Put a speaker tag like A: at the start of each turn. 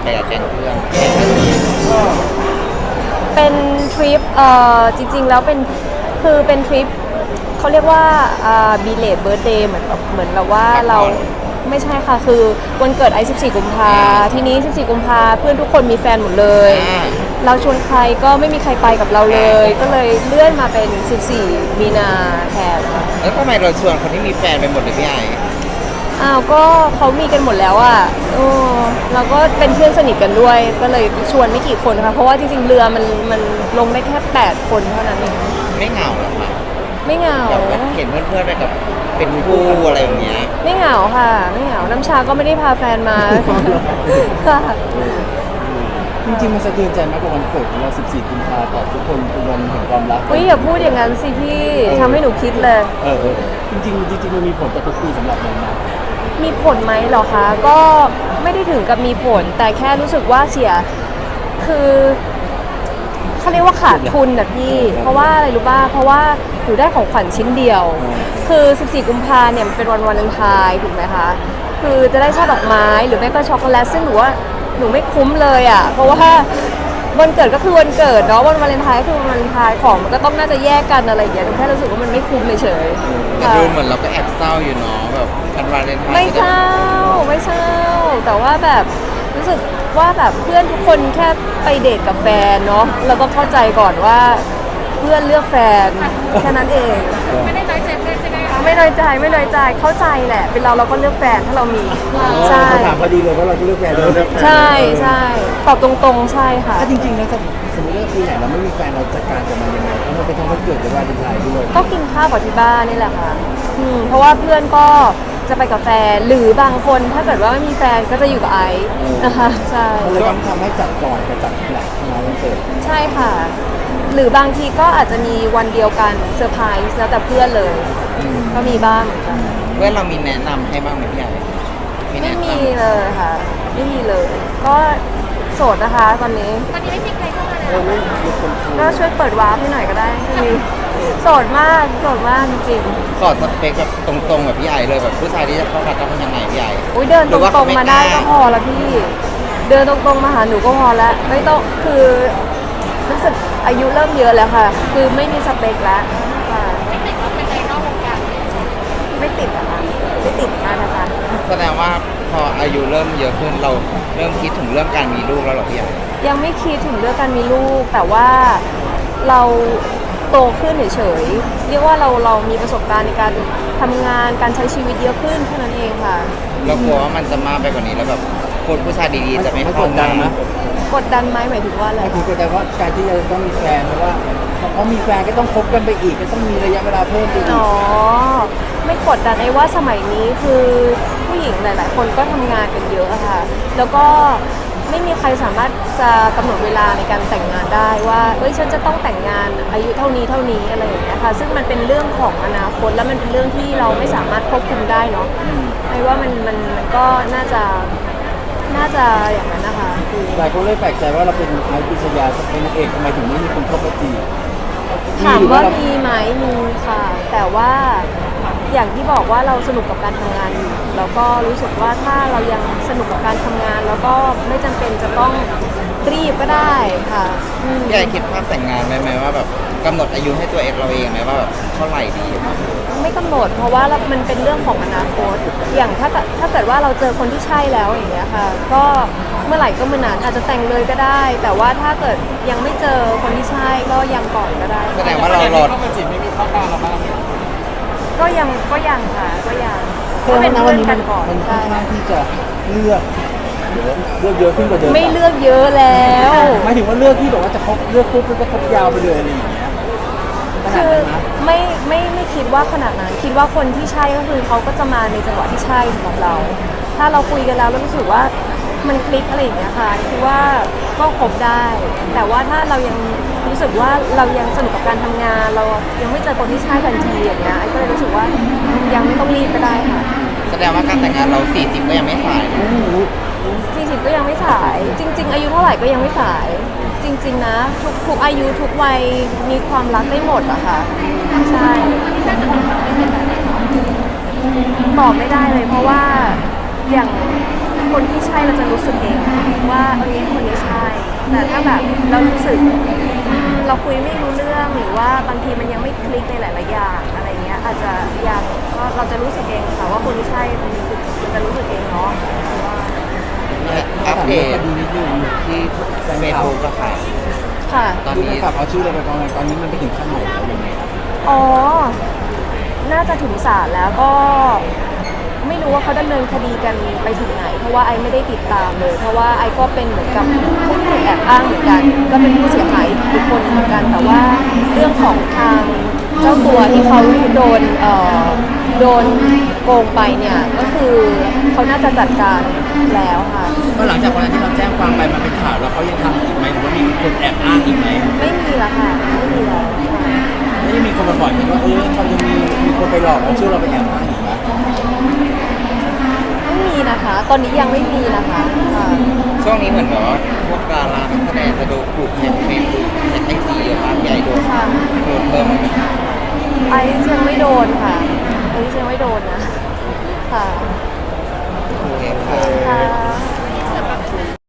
A: กับแก๊งเพื่อน
B: เป็นทริปจริงๆแล้วเป็นทริปเขาเรียกว่าบีเลทเบิร์ธเดย์เหมือนแบบว่าเราไม่ใช่ค่ะคือวันเกิดไอ14กุมภาทีนี้14กุมภาเพื่อนทุกคนมีแฟนหมดเลยเราชวนใครก็ไม่มีใครไปกับเราเลยก็เลยเลื่อนมาเป็น14มีนาแทน
A: แล้วทำไมเราชวนคนที่มีแฟนไปหมดเลยพี่ไอ
B: อ้าวก็เขามีกันหมดแล้วอ่ะเราก็เป็นเพื่อนสนิทกันด้วยก็เลยชวนไม่กี่คนค่ะเพราะว่าจริงๆเรือมันลงได้แค่8คนเท่านั้นเอง
A: ไม่เหงาหรอคะ
B: ไม่เหงา
A: เห็นเพื่อนๆไปกับเป็นคู่อะไรอย่างเงี้ย
B: ไม่เหงาค่ะไม่เหงาน้ำชาก็ไม่ได้พาแฟนมาค่ะ
C: จริงๆมันสะเทือนใจมากกว่าวันเกิดของเรา14กุมภาพันธ์ทุกคนเป็นวันแห่งความรัก
B: อย่าพูดอย่างนั้นสิพี่ทำให้หนูคิดเลย
C: จริงๆมันมีผลต่อทุกปีสำหรับเรานะ
B: มีผลไหมเหรอคะก็ไม่ได้ถึงกับมีผลแต่แค่รู้สึกว่าเสียคือเขาเรียกว่าขาดทุนนะพี่เพราะว่าอะไรรู้ป่ะเพราะว่าหนูได้ของขวัญชิ้นเดียวคือ14กุมภาเนี่ยมันเป็นวันวาเลนไทน์ถูกไหมคะคือจะได้ช่อดอกไม้หรือไม่ก็ช็อกโกแลตซึ่งหนูว่าหนูไม่คุ้มเลยอ่ะเพราะว่าวันเกิดก็คือวันเกิดเนาะวันวาเลนไทน์ก็คือวันวาเลนไทน์ของมันก็ต้องน่าจะแยกกันอะไรอย่างเงี้ยหนูแค่รู้สึกว่ามันไม่คุ้มเฉย
A: แต่ดูเหมือนเราก็แอบเศร้าอยู่เนาะแบบวันวาเลนไทน์
B: ไม่เศร้าแต่ว่าแบบรู้สึกว่าแบบเพื่อนทุกคนแค่ไปเดทกับแฟนเนาะแล้วก็เข้าใจก่อนว่าเพื่อนเลือกแฟนแค่นั้นเอง
D: ไม่ได้น้อยใจเพื่อนใช่ไหมคะ
B: ไม่น้อยใจเข้าใจแหละเป็นเราก็เลือกแฟนถ้าเรามี
C: ใช่ถามพอดีเลยว่าเราจะเลือกแฟนเลย
B: ใช่ตอบตรงๆใช่ค่ะ
C: ถ้าจริงๆนะสมมติว่าปีไหนเราไม่มีแฟนเราจัดการกับมันยังไงเพราะมันเป็นทั้งวันเกิดและวันวาเลนไทน์ด้วย
B: ก็กินข้าวกับที่บ้านนี่แหละค่ะเพราะว่าเพื่อนก็จะไปกับแฟนหรือบางคนถ้าเกิดว่าไม่มีแฟนก็จะอยู่กับไอซ์นะคะใช่
C: มันเลยต้องทำให้จัดก่อนกับจัดหลังงานวันเกิด
B: ใช่ค่ะหรือบางทีก็อาจจะมีวันเดียวกันเซอร์ไพรส์แล้วแต่เพื่อนเลยก็มีบ้าง
A: เพื่อนเรามีแนะนำให้บ้างไหมพี่ใหญ่
B: ไม่มีเลยค่ะไม่มีเลยก็โสดนะคะตอนนี้
D: ไม่มีใครเข้ามาเลย
B: ก็ช่วยเปิดวาร์ปให้หน่อยก็ได้มีโสดมากจริง
A: ขอสเปคแบบตรงๆแบบพี่ใหญ่เลยแบบผู้ชายที่จะเข้ามาต้องยังไงพี่ใหญ่
B: เดินตรงๆมาได้ก็พอแล้วพี่เดินตรงๆมาหาหนูก็พอแล้วไม่ต้องคือรู้สึกอายุเริ่มเยอะแล้วค่ะคือไม่มีสเปคแล้วค่ะ
D: ไม่ติดว่าเป็นในนอกวงการ
B: ไม่ติดนะคะไม่ติดนะคะ
A: แสดงว่าพออายุเริ่มเยอะขึ้นเราเริ่มคิดถึงเรื่องการมีลูกแล้วหรอพี่ใหญ่
B: ยังไม่คิดถึงเรื่องการมีลูกแต่ว่าเราโตขึ้นเฉยๆเรียกว่าเรามีประสบการณ์ในการทำงานการใช้ชีวิตเยอะขึ้นแค่นั้นเองค่ะ
A: เรากลัวว่ามันจะมากไปกว่านี้แล้วแบบคนผู้ชายดีๆจะไม่เข้ามา
B: กดดันไหมหมายถึงว่าอะไร
C: คือกดดันว่าการที่จะต้องมีแฟนเพราะว่าพอมีแฟนก็ต้องคบกันไปอีกก็ต้องมีระยะเวลาเพิ่มไปอีก
B: ไม่กดดันไอ้ว่าสมัยนี้คือผู้หญิงหลายๆคนก็ทำงานกันเยอะอะค่ะแล้วก็ไม่มีใครสามารถจะกำหนดเวลาในการแต่งงานได้ว่าฉันจะต้องแต่งงานอายุเท่านี้อะไรอย่างเงี้ยค่ะซึ่งมันเป็นเรื่องของอนาคตแล้วมันเป็นเรื่องที่เราไม่สามารถควบคุมได้เนาะไอ้ว่ามันก็น่าจะอย่างนั้นนะคะ
C: หลายคนเลยแปลกใจว่าเราเป็นไอซ์ปริชญาเป็นนางเอกทำไมถึงไม่มีคนเข้ามาจีบ
B: ถามว่ามีไหมมีค่ะแต่ว่าอย่างที่บอกว่าเราสนุกกับการทำงานอยู่แล้วก็รู้สึกว่าถ้าเรายังสนุกกับการทำงานแล้วก็ไม่จำเป็นจะต้องรีบก็ได้ค่ะ
A: พี่ไอคิดภาพแต่งงานไหมว่าแบบกำหนดอายุให้ตัวเองเราเองไหมว่าแบบเท่าไหร่ดี
B: ไม่กำหนดเพราะว่ามันเป็นเรื่องของอนาคตอย่างถ้าเกิดว่าเราเจอคนที่ใช่แล้วอย่างเงี้ยค่ะก็เมื่อไหร่ก็เมื่อนั้นอาจจะแต่งเลยก็ได้แต่ว่าถ้าเกิดยังไม่เจอคนที่ใช่ก็ยังก่อนก็ได้
A: แสดงว่าเรารอ
C: เข้ามาจีบไม่มีเข้าบ้านเราบ้าง
B: ก็ยังค่ะก็ยัง
C: เป็นเพื่อนกันก่อนมันค่อนข้างที่จะเลือกเยอะขึ้นกว่าเดิม
B: ไม่เลือกเยอะแล้ว
C: หมายถึงว่าเลือกที่แบบว่าจะคบเลือกปุ๊บก็จะคบยาวไปเลยอะไรอย่างเงี้ย
B: คือไม่คิดว่าขนาดนั้นคิดว่าคนที่ใช่ก็คือเขาก็จะมาในจังหวะที่ใช่สำหรับเราถ้าเราคุยกันแล้วรู้สึกว่ามันคลิกอะไรอย่างเงี้ยค่ะคิดว่าก็คบได้แต่ว่าถ้าเรายังรู้สึกว่าเรายังสนุกกับการทำงานเรายังไม่เจอคนที่ใช่ทันทีอย่างเงี้ยไอ้ก็เลยรู้สึกว่ายังไม่ต้องรีบก็ได้ค่ะ
A: แสดงว่าการแต่งงานเรา40ก็ยังไม่สาย
B: 40ก็ยังไม่สายจริงๆอายุเท่าไหร่ก็ยังไม่สายจริงๆนะทุกอายุทุกวัยมีความรักได้หมดอะค่ะใช่ตอบไม่ได้เลยเพราะว่าอย่างคนที่ใช่เราจะรู้สึกเองว่าแต่ถ้าแบบเรารู้สึกเราคุยไม่รู้เรื่องหรือว่าบางทีมันยังไม่คลิกในหลายๆอย่างอะไรเงี้ยอาจจะยังก็เราจะรู้สึกเองค่ะว่าคนที่ใช่ตรงนี้คือจะรู้สึกเองเนาะว่า
A: อัปเดต
C: ดูนิดนึง
A: ที่เฟซบุ๊กอะค่ะ
B: ค่ะ
A: ตอน
C: ดู
A: นี้
C: ไปฝากเอาชื่ออะไรไปกองตอนนี้มันไปถึงขั้นไหนแล้วยังไงครับ
B: อ๋อ น่าจะถึงศาลแล้วก็ไม่รู้ว่าเขาดำเนินคดีกันไปถึงไหน เพราะว่าไอไม่ได้ติดตามเลย เพราะว่าไอก็เป็นเหมือนกับผู้ถูกแอบอ้างเหมือนกัน ก็เป็นผู้เสียหายอีกคนหนึ่งเหมือนกัน แต่ว่าเรื่องของทางเจ้าตัวที่เขาโดนโกงไปเนี่ย ก็คือเขาน่าจะจัดการแล้วค่ะ
C: ก็หลังจากวันนั้นที่เราแจ้งความไปมันเป็นข่าวแล้วเขายังทำอีกไหมหรือว่ามีคนแอบอ้างอีกไหม
B: ไม่มีแล้วค่ะ ไม่มีแล้วค่ะ
C: ไม่ได้มีคนมาบอกไหมว่าเขาจะมีคนไปหลอกเอาชื่อเราไปแอบอ้างอีกไหม
B: ไม่มีนะคะ ตอนนี้ยังไม่มีนะคะค่ะ
A: ช่วงนี้เหมือนแบบว่าพวกดารานักแสดงจะโดนถูกแฮกเฟซบุ๊กแฮกไอจีเยอะมากใหญ่โดน
B: ค่ะ
A: โดนเพิ่มไหมคะ
B: ไอซ์ยังไม่โดนค่ะไอซ์ยังไม่โดนนะ ค่ะ
A: โอเคค่ะ
B: ค่ะ